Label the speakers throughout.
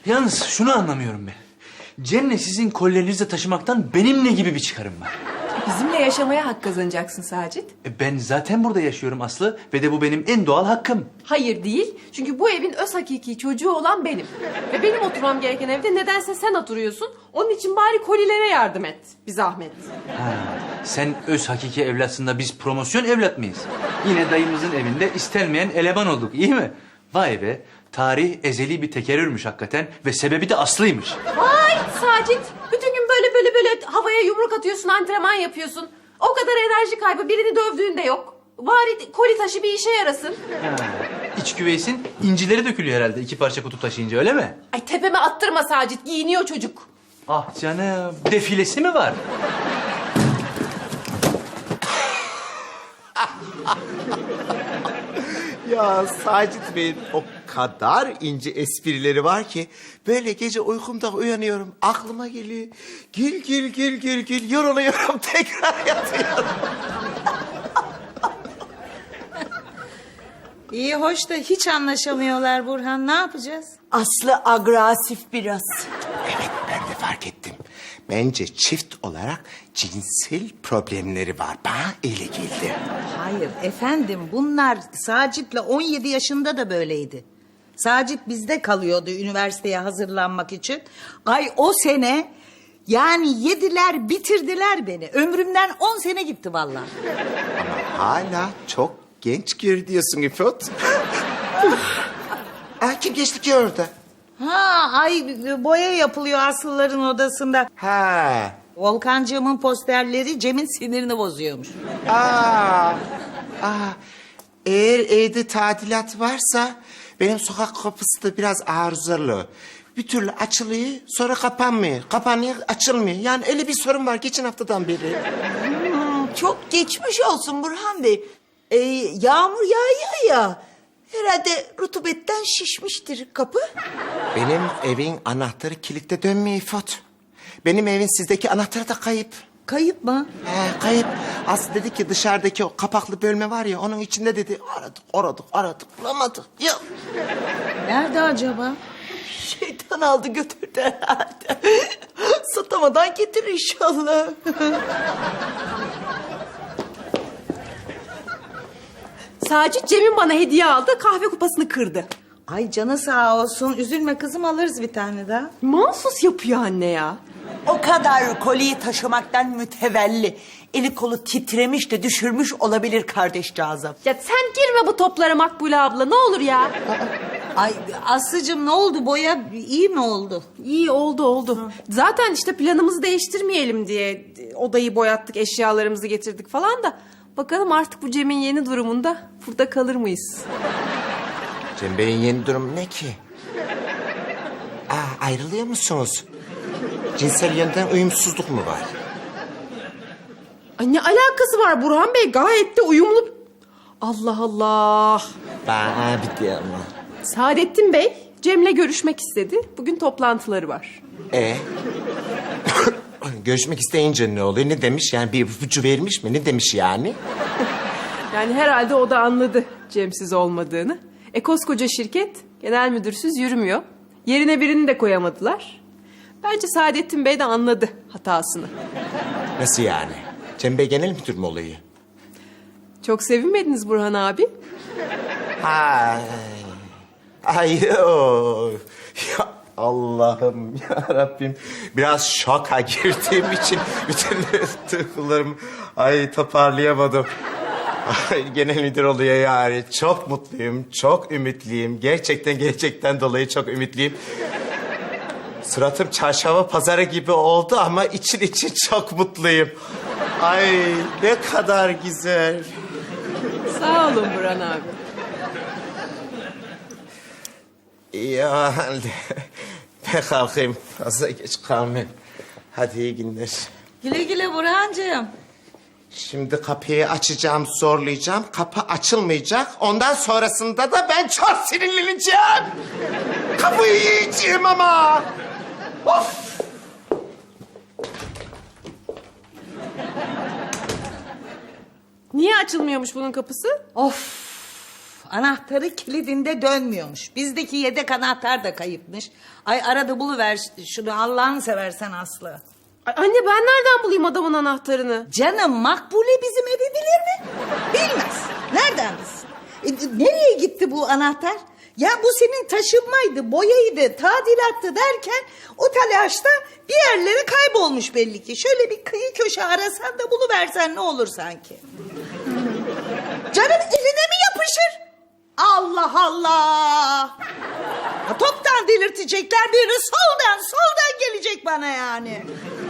Speaker 1: Yalnız şunu anlamıyorum ben. Cem'le sizin kollerinizi taşımaktan benim ne gibi bir çıkarım var?
Speaker 2: Bizimle yaşamaya hak kazanacaksın Sacit.
Speaker 1: Ben zaten burada yaşıyorum Aslı ve de bu benim en doğal hakkım.
Speaker 2: Hayır değil. Çünkü bu evin öz hakiki çocuğu olan benim. Ve benim oturmam gereken evde nedense sen oturuyorsun. Onun için bari kolilere yardım et. Bir zahmet.
Speaker 1: Ha, sen öz hakiki evlatsın, biz promosyon evlat mıyız? Yine dayımızın evinde istenmeyen eleman olduk, iyi mi? Vay be, tarih ezeli bir tekerrürmüş hakikaten ve sebebi de Aslı'ymış.
Speaker 2: Vay Sacit. Bütün gün böyle havaya yumruk atıyorsun, antrenman yapıyorsun. O kadar enerji kaybı, birini dövdüğün de yok. Bari koli taşı bir işe yarasın.
Speaker 1: Ha, iç güveysin incileri dökülüyor herhalde 2 parça kutup taşıyınca, öyle mi?
Speaker 2: Ay tepeme attırma Sacit, giyiniyor çocuk.
Speaker 1: Ah canım, defilesi mi var?
Speaker 3: Ya Sacit Bey'in o kadar ince esprileri var ki... ...böyle gece uykumda uyanıyorum, aklıma geliyor. Gül, yoruluyorum, tekrar yatıyorum.
Speaker 4: İyi hoş da hiç anlaşamıyorlar Burhan. Ne yapacağız?
Speaker 5: Aslı agresif biraz.
Speaker 3: Evet, ben de fark ettim. Bence çift olarak cinsel problemleri var. Bana öyle geldi.
Speaker 4: Hayır efendim, bunlar Sacit'le 17 yaşında da böyleydi. Sacit bizde kalıyordu üniversiteye hazırlanmak için. Ay o sene yani yediler bitirdiler beni. Ömrümden 10 sene gitti vallahi.
Speaker 3: Ama hala çok genç görünüyorsun İfot. Kim geçti ki orada?
Speaker 4: Ha ay boya yapılıyor Aslıların odasında.
Speaker 3: Ha.
Speaker 4: Volkancığımın posterleri Cem'in sinirini bozuyormuş.
Speaker 3: Aa. Eğer evde tadilat varsa benim sokak kapısı da biraz arızalı. Bir türlü açılıyor, sonra kapanmıyor. Kapanıyor, açılmıyor. Yani öyle bir sorun var geçen haftadan beri.
Speaker 5: Çok geçmiş olsun Burhan Bey. Yağmur yağıyor ya. Herhalde rutubetten şişmiştir kapı.
Speaker 3: Benim evin anahtarı kilitte dönmüyor İfot. Benim evin sizdeki anahtarı da kayıp.
Speaker 4: Kayıp mı?
Speaker 3: Kayıp. Aslı dedi ki dışarıdaki o kapaklı bölme var ya, onun içinde dedi. Aradık bulamadık. Yok.
Speaker 4: Nerede acaba?
Speaker 5: Şeytan aldı götürdü herhalde. Satamadan getir inşallah.
Speaker 2: Sacit Cem'in bana hediye aldı, kahve kupasını kırdı.
Speaker 4: Ay canı sağ olsun. Üzülme kızım, alırız bir tane daha.
Speaker 2: Mahsus yapıyor anne ya.
Speaker 5: O kadar koliyi taşımaktan mütevelli. Eli kolu titremiş de düşürmüş olabilir kardeşcağızım.
Speaker 2: Ya sen girme bu toplara Makbule abla, ne olur ya.
Speaker 4: Ay Aslıcığım ne oldu? Boya iyi mi oldu?
Speaker 2: İyi oldu. Zaten işte planımızı değiştirmeyelim diye odayı boyattık, eşyalarımızı getirdik falan da. Bakalım artık bu Cem'in yeni durumunda burada kalır mıyız?
Speaker 3: Cem Bey'in yeni durumu ne ki? Ayrılıyor musunuz? Cinsel yönden uyumsuzluk mu var?
Speaker 2: Ay ne alakası var Burhan Bey? Gayet de uyumlu. Allah Allah.
Speaker 3: Bana bitti ama.
Speaker 2: Saadettin Bey Cem'le görüşmek istedi. Bugün toplantıları var.
Speaker 3: Görüşmek isteyince ne oluyor? Ne demiş? Yani bir ipucu vermiş mi? Ne demiş yani?
Speaker 2: Yani herhalde o da anladı Cem'siz olmadığını. Koskoca şirket genel müdürsüz yürümüyor. Yerine birini de koyamadılar. Bence Saadettin Bey de anladı hatasını.
Speaker 3: Nasıl yani? Cem Bey genel müdür mü oluyor?
Speaker 2: Çok sevinmediniz Burhan abi.
Speaker 3: Ay yok. Ya Allah'ım ya Rabbim. Biraz şoka girdiğim için bütün duygularımı toparlayamadım. Ay, genel müdür oluyor yani. Çok mutluyum, çok ümitliyim. Gerçekten dolayı çok ümitliyim. Suratım çarşamba pazarı gibi oldu ama için çok mutluyum. Ay ne kadar güzel.
Speaker 2: Sağ olun Burhan abi.
Speaker 3: Ya ben kalkayım. Fazla geç kalmayayım. Hadi iyi günler.
Speaker 4: Güle güle Burhancığım.
Speaker 3: Şimdi kapıyı açacağım, zorlayacağım. Kapı açılmayacak. Ondan sonrasında da ben çok sinirleneceğim. Kapıyı yiyeceğim ama. Of!
Speaker 2: Niye açılmıyormuş bunun kapısı?
Speaker 4: Of! Anahtarı kilidinde dönmüyormuş. Bizdeki yedek anahtar da kayıpmış. Ay arada buluver şunu Allah'ını seversen Aslı.
Speaker 2: Ay anne ben nereden bulayım adamın anahtarını?
Speaker 4: Canım Makbule bizim evi bilir mi? Bilmez. Nereden bilsin? Nereye gitti bu anahtar? Ya bu senin taşınmaydı, boyaydı, tadilattı derken o telaşta bir yerlere kaybolmuş belli ki. Şöyle bir kıyı köşe arasan da buluversen ne olur sanki. Canım eline mi yapışır? Allah Allah! Ya toptan delirtecekler biri soldan gelecek bana yani.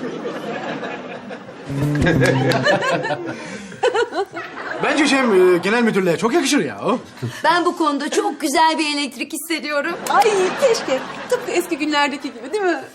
Speaker 6: Bence Cem genel müdürlüğe çok yakışır ya o.
Speaker 7: Ben bu konuda çok güzel bir elektrik hissediyorum.
Speaker 2: Ay keşke. Tıpkı eski günlerdeki gibi değil mi?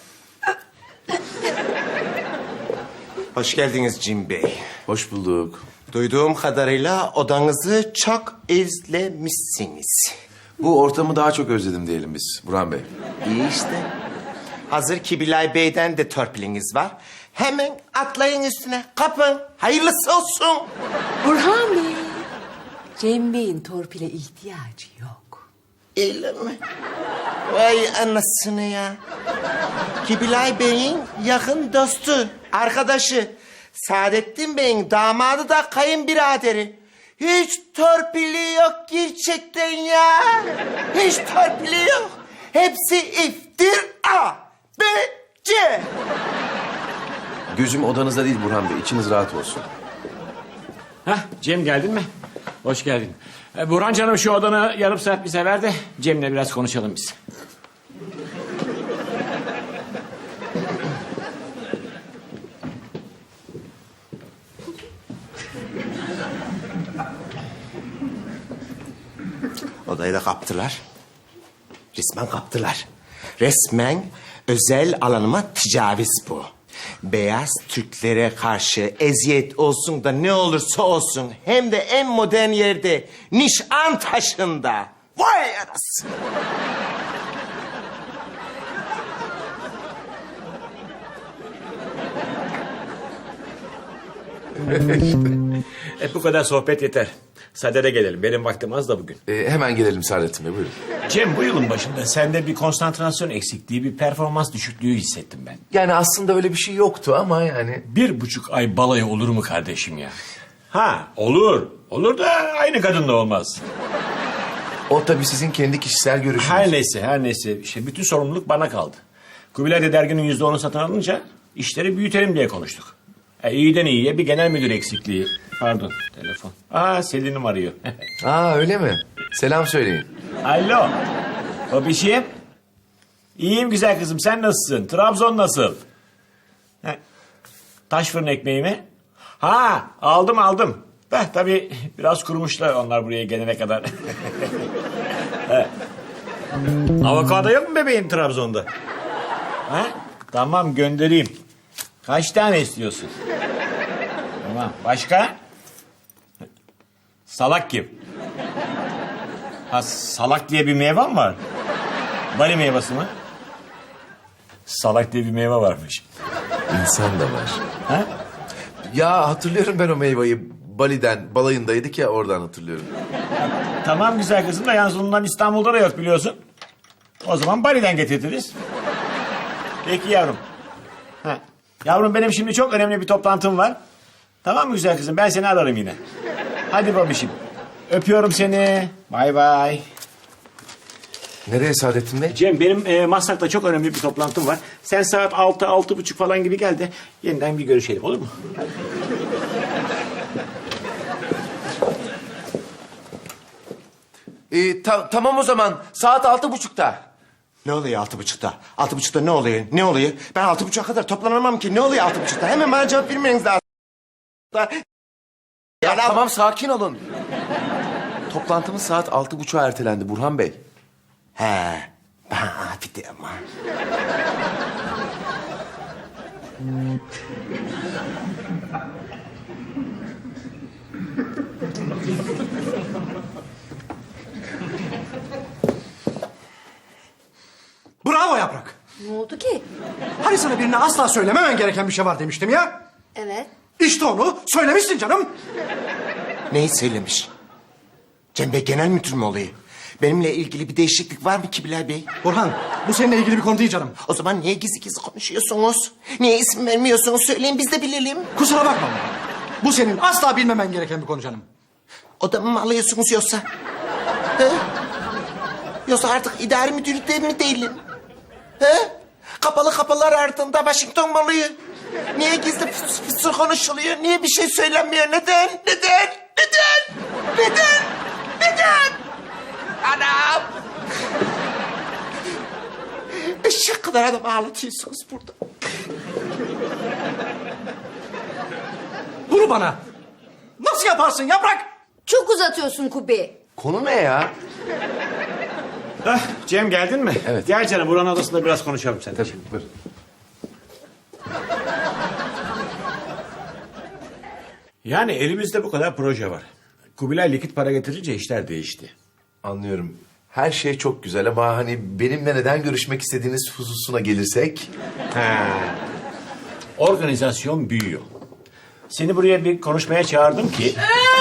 Speaker 3: Hoş geldiniz Cem Bey.
Speaker 8: Hoş bulduk.
Speaker 3: Duyduğum kadarıyla odanızı çok özlemişsiniz.
Speaker 8: Bu ortamı daha çok özledim diyelim biz Burhan Bey.
Speaker 3: İyi işte. Hazır Kibilay Bey'den de torpiliniz var. Hemen atlayın üstüne, kapın. Hayırlısı olsun.
Speaker 5: Burhan Bey, Cem Bey'in torpile ihtiyacı yok.
Speaker 3: Öyle mi? Vay anasını ya. Kibilay Bey'in yakın dostu, arkadaşı. Saadettin Bey'in damadı da kayınbiraderi. Hiç torpili yok gerçekten ya. Hiç torpili yok. Hepsi iftira. Bence.
Speaker 8: Gözüm odanızda değil Burhan Bey. İçiniz rahat olsun.
Speaker 9: Hah Cem geldin mi? Hoş geldin. Burhan canım şu odanı yarım saat bize ver de Cem'le biraz konuşalım biz.
Speaker 3: Odayı da kaptılar. Resmen kaptılar. Resmen özel alanıma tecavüz bu. Beyaz Türklere karşı eziyet olsun da ne olursa olsun hem de en modern yerde Nişantaşı'nda. Vay anasını.
Speaker 9: Bu kadar sohbet yeter. Sadede gelelim. Benim vaktim az da bugün.
Speaker 8: Hemen gelelim Saadettin Bey, buyurun.
Speaker 9: Cem bu yılın başında sende bir konsantrasyon eksikliği, bir performans düşüklüğü hissettim ben.
Speaker 8: Yani aslında öyle bir şey yoktu ama yani...
Speaker 9: 1,5 ay balayı olur mu kardeşim ya? Ha olur. Olur da aynı kadınla olmaz.
Speaker 8: O tabii sizin kendi kişisel görüşünüz.
Speaker 9: Her neyse. İşte bütün sorumluluk bana kaldı. Kubilay da derginin %10'unu satın alınca işleri büyütelim diye konuştuk. İyiden iyiye bir genel müdür eksikliği. Pardon telefon. Selin'im arıyor.
Speaker 8: Öyle mi? Selam söyleyin.
Speaker 9: Alo. O bir şey. İyiyim güzel kızım sen nasılsın? Trabzon nasıl? Taş fırın ekmeği mi? Aldım. Tabii biraz kurumuşlar onlar buraya gelene kadar. Avokado yok mu bebeğim Trabzon'da? Tamam göndereyim. Kaç tane istiyorsun? Tamam. Başka? Salak kim? Salak diye bir meyve mi var? Bali meyvesi mi? Salak diye bir meyve varmış.
Speaker 8: İnsan da var.
Speaker 9: Ha?
Speaker 8: Ya hatırlıyorum ben o meyveyi. Bali'den, balayındaydık ya, oradan hatırlıyorum.
Speaker 9: Tamam güzel kızım da yalnız ondan İstanbul'da da yok biliyorsun. O zaman Bali'den getiririz. Peki yavrum. Yavrum benim şimdi çok önemli bir toplantım var. Tamam mı güzel kızım? Ben seni ararım yine. Hadi babişim. Öpüyorum seni. Bay bay.
Speaker 8: Nereye Saadettin Bey?
Speaker 9: Cem benim Maslak'ta çok önemli bir toplantım var. Sen saat 6-6:30 falan gibi gel de yeniden bir görüşelim olur mu?
Speaker 8: Tamam o zaman. Saat 6:30'da.
Speaker 3: Ne oluyor 6:30'da? 6:30'da ne oluyor? Ne oluyor? Ben 6:30'a kadar toplanamam ki. Ne oluyor 6:30'da? Hemen bana cevap vermeniz lazım.
Speaker 8: Ya tamam sakin olun. Toplantımız saat 6:30'a ertelendi Burhan Bey.
Speaker 3: Bir de ama.
Speaker 6: Bravo Yaprak.
Speaker 7: Ne oldu ki?
Speaker 6: Hani sana birine asla söylememen gereken bir şey var demiştim ya.
Speaker 7: Evet.
Speaker 6: İşte onu söylemişsin canım.
Speaker 3: Neyi söylemiş? Cem Bey genel müdür mü oluyor? Benimle ilgili bir değişiklik var mı ki Bilal Bey?
Speaker 6: Burhan, bu seninle ilgili bir konu değil canım.
Speaker 3: O zaman niye gizli gizli konuşuyorsunuz? Niye isim vermiyorsunuz? Söyleyin biz de bilelim.
Speaker 6: Kusura bakma Burhan. Bu senin asla bilmemen gereken bir konu canım.
Speaker 3: Odamı mı alıyorsunuz yoksa? He? Yoksa artık idari müdürlükte mi değilim? He? Kapalı kapılar ardında Washington mu oluyor? Niye gizli fısır konuşuluyor? Niye bir şey söylenmiyor? Neden? Neden? Neden? Neden? Neden? Anam! Eşek kadar adam ağlatıyorsunuz burada.
Speaker 6: Bunu bana nasıl yaparsın Yaprak?
Speaker 7: Çok uzatıyorsun Kubi.
Speaker 8: Konu ne ya?
Speaker 9: Cem geldin mi?
Speaker 8: Evet.
Speaker 9: Gel canım buranın odasında biraz konuşalım sen.
Speaker 8: Tabii, buyur.
Speaker 9: Yani elimizde bu kadar proje var. Kubilay likit para getirince işler değişti.
Speaker 8: Anlıyorum. Her şey çok güzel ama hani benimle neden görüşmek istediğiniz hususuna gelirsek...
Speaker 9: Organizasyon büyüyor. Seni buraya bir konuşmaya çağırdım ki...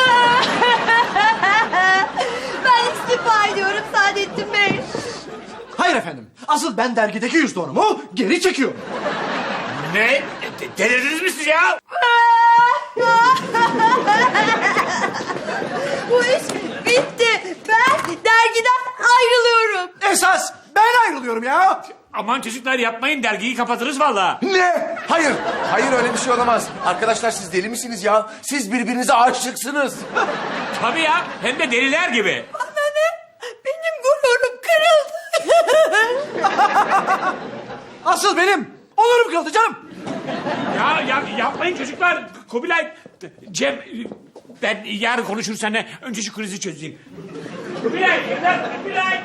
Speaker 7: Ben istifa ediyorum Saadettin Bey.
Speaker 6: Hayır efendim. Asıl ben dergideki %10'umu geri çekiyorum.
Speaker 9: Ne? Delirdiniz mi siz ya?
Speaker 7: Bu iş bitti. Ben dergiden ayrılıyorum.
Speaker 6: Esas ben ayrılıyorum ya.
Speaker 9: Aman çocuklar yapmayın dergiyi kapatırız vallahi.
Speaker 8: Ne? Hayır. Hayır öyle bir şey olamaz. Arkadaşlar siz deli misiniz ya? Siz birbirinize aşıksınız.
Speaker 9: Tabii ya hem de deliler gibi.
Speaker 7: Benim gururum kırıldı.
Speaker 6: Asıl benim onurum kırıldı canım.
Speaker 9: Ya yapmayın çocuklar. Kubilay, Cem ben yarın konuşuruz seninle. Önce şu krizi çözeyim. Kubilay, Kubilay.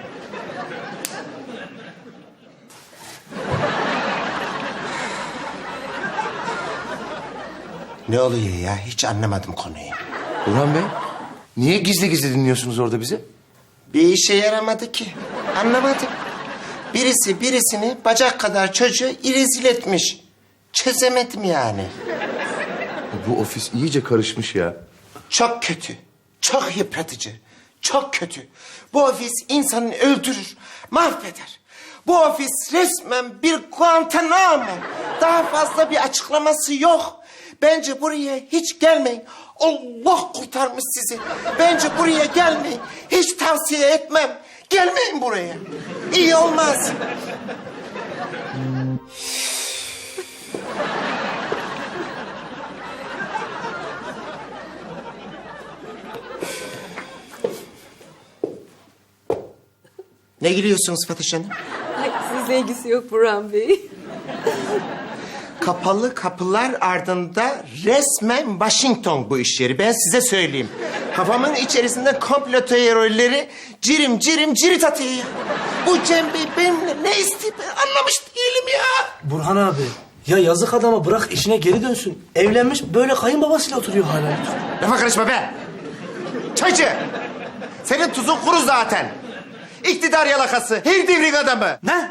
Speaker 3: Ne oluyor ya? Hiç anlamadım konuyu.
Speaker 8: Burhan Bey, niye gizli gizli dinliyorsunuz orada bizi?
Speaker 3: Bir işe yaramadı ki. Anlamadım. Birisi birisini bacak kadar çocuğu irezil etmiş. Çözemedim yani.
Speaker 8: Bu ofis iyice karışmış ya.
Speaker 3: Çok kötü. Çok yıpratıcı. Çok kötü. Bu ofis insanı öldürür, mahveder. Bu ofis resmen bir Guantanamo. Daha fazla bir açıklaması yok. Bence buraya hiç gelmeyin. Allah kurtarmış sizi. Bence buraya gelmeyin. Hiç tavsiye etmem. Gelmeyin buraya. İyi olmaz. Ne gülüyorsunuz Fatoş Hanım?
Speaker 2: Ay, sizle ilgisi yok Burhan Bey.
Speaker 3: Kapalı kapılar ardında resmen Washington bu iş yeri. Ben size söyleyeyim. Kafamın içerisinde komplo teorileri cirit atıyor ya. Bu Cem Bey benimle ne istiyor ben anlamış değilim ya.
Speaker 10: Burhan abi, ya yazık adama bırak işine geri dönsün. Evlenmiş böyle kayınbabasıyla oturuyor hala.
Speaker 3: Lafa karışma be. Çaycı. Senin tuzun kuru zaten. İktidar yalakası. Her devrin adamı.
Speaker 10: Ne?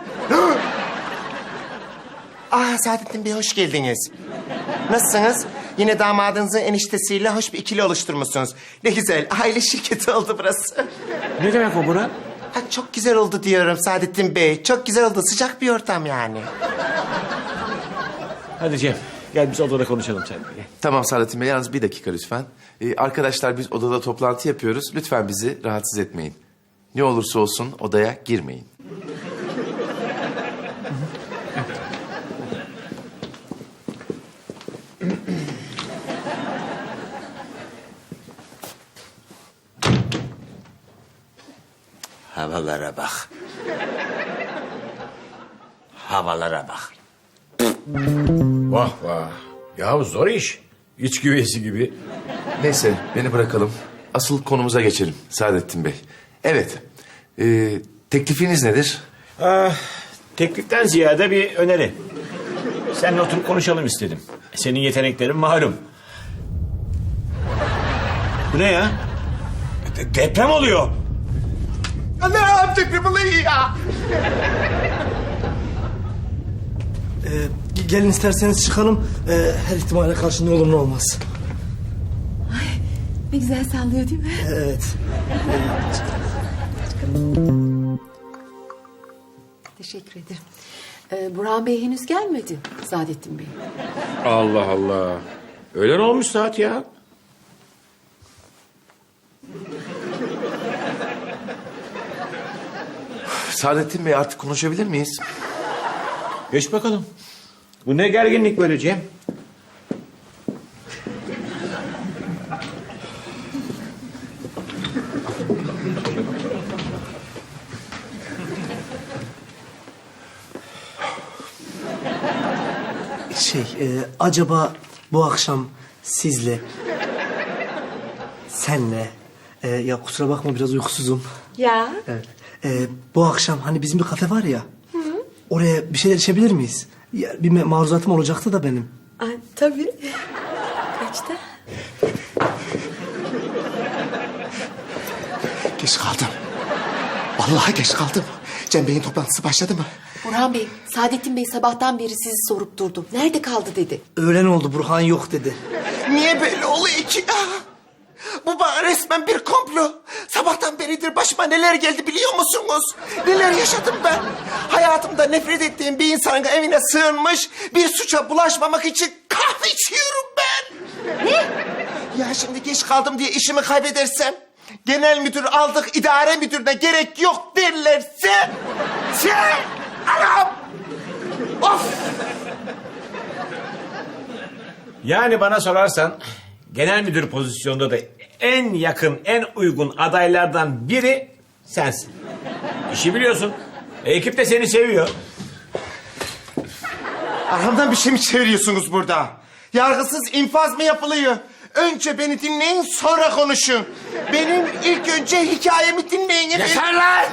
Speaker 3: Saadettin Bey hoş geldiniz. Nasılsınız? Yine damadınızın eniştesiyle hoş bir ikili oluşturmuşsunuz. Ne güzel. Aile şirketi oldu burası.
Speaker 9: Ne demek o Burhan?
Speaker 3: Ha, çok güzel oldu diyorum Saadettin Bey. Çok güzel oldu. Sıcak bir ortam yani.
Speaker 9: Hadi Cem gel biz odada konuşalım seninle.
Speaker 8: Tamam Saadettin Bey, yalnız bir dakika lütfen. Arkadaşlar biz odada toplantı yapıyoruz. Lütfen bizi rahatsız etmeyin. Ne olursa olsun odaya girmeyin.
Speaker 3: Havalara bak. Havalara bak.
Speaker 9: Vah vah. Ya zor iş. İç güveysi gibi.
Speaker 8: Neyse beni bırakalım. Asıl konumuza geçelim Saadettin Bey. Evet. Teklifiniz nedir?
Speaker 9: Tekliften ziyade bir öneri. Seninle oturup konuşalım istedim. Senin yeteneklerin malum. Bu ne ya? Deprem oluyor.
Speaker 3: Anam deprem oluyor ya.
Speaker 10: Gelin isterseniz çıkalım. Her ihtimale karşı ne olur ne olmaz.
Speaker 7: Ne güzel sallıyor değil mi?
Speaker 10: Evet.
Speaker 7: Teşekkür ederim. Burhan Bey henüz gelmedi Saadettin Bey.
Speaker 9: Allah Allah. Öğlen olmuş saat ya.
Speaker 8: Saadettin Bey artık konuşabilir miyiz?
Speaker 9: Geç bakalım. Bu ne gerginlik böyle Cem?
Speaker 10: Acaba bu akşam sizle, senle, ya kusura bakma biraz uykusuzum.
Speaker 7: Ya.
Speaker 10: Evet. Bu akşam hani bizim bir kafe var ya. Oraya bir şeyler içebilir miyiz? Ya, bir maruzatım olacaktı da benim.
Speaker 7: Ay, tabii. Kaçta?
Speaker 3: Geç kaldım. Vallahi geç kaldım. Cem Bey'in toplantısı başladı mı?
Speaker 7: Burhan Bey, Saadettin Bey sabahtan beri sizi sorup durdu. Nerede kaldı dedi.
Speaker 10: Öğlen oldu, Burhan yok dedi.
Speaker 3: Niye böyle oluyor ki? Bu bana resmen bir komplo. Sabahtan beridir başıma neler geldi biliyor musunuz? Neler yaşadım ben? Hayatımda nefret ettiğim bir insanın evine sığınmış... ...bir suça bulaşmamak için kahve içiyorum ben. Ne? Ya şimdi geç kaldım diye işimi kaybedersem... ...genel müdür aldık idare müdürüne gerek yok derlerse... Anam! Of!
Speaker 9: Yani bana sorarsan genel müdür pozisyonunda da en yakın, en uygun adaylardan biri sensin. İşi biliyorsun. Ekip de seni seviyor.
Speaker 3: Arkamdan bir şey mi çeviriyorsunuz burada? Yargısız infaz mı yapılıyor? Önce beni dinleyin, sonra konuşun. Benim ilk önce hikayemi dinleyin.
Speaker 9: Yeter lan!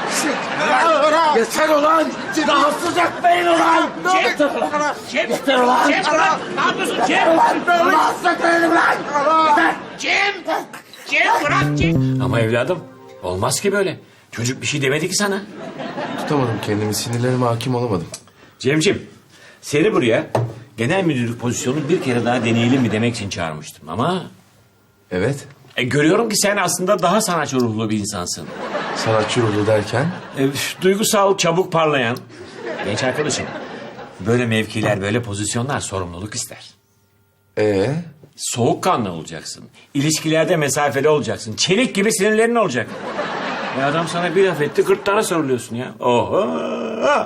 Speaker 9: Yeter ulan! Rahatsız etmeyin ulan! Yeter ulan! Yeter ulan! Ne yapıyorsun Cem? Rahatsız etmeyin ulan! Yeter! Cem! Cem bırak Cem! Ama evladım olmaz ki böyle. Çocuk bir şey demedi ki sana.
Speaker 8: Tutamadım kendimi, sinirlerime hakim olamadım.
Speaker 9: Cemciğim, seni buraya genel müdürlük pozisyonunu bir kere daha deneyelim mi demek için çağırmıştım ama...
Speaker 8: Evet.
Speaker 9: Görüyorum ki sen aslında daha sanatçı ruhlu bir insansın.
Speaker 8: Sanatçı ruhlu derken?
Speaker 9: Duygusal, çabuk parlayan. Genç arkadaşım, böyle mevkiler, böyle pozisyonlar sorumluluk ister. Soğukkanlı olacaksın. İlişkilerde mesafeli olacaksın. Çelik gibi sinirlerin olacak. Adam sana bir laf etti, 40 tane soruluyorsun ya. Oho!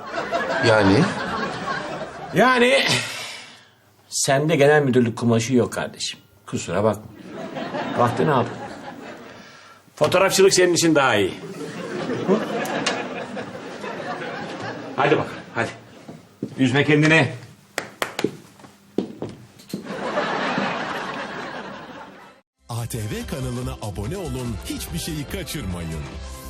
Speaker 9: Yani sende genel müdürlük kumaşı yok kardeşim. Kusura bakma. Vaktini aldın. Fotoğrafçılık senin için daha iyi. Hı? Hadi bakalım, hadi. Üzme kendini.
Speaker 11: ATV kanalına abone olun, hiçbir şeyi kaçırmayın.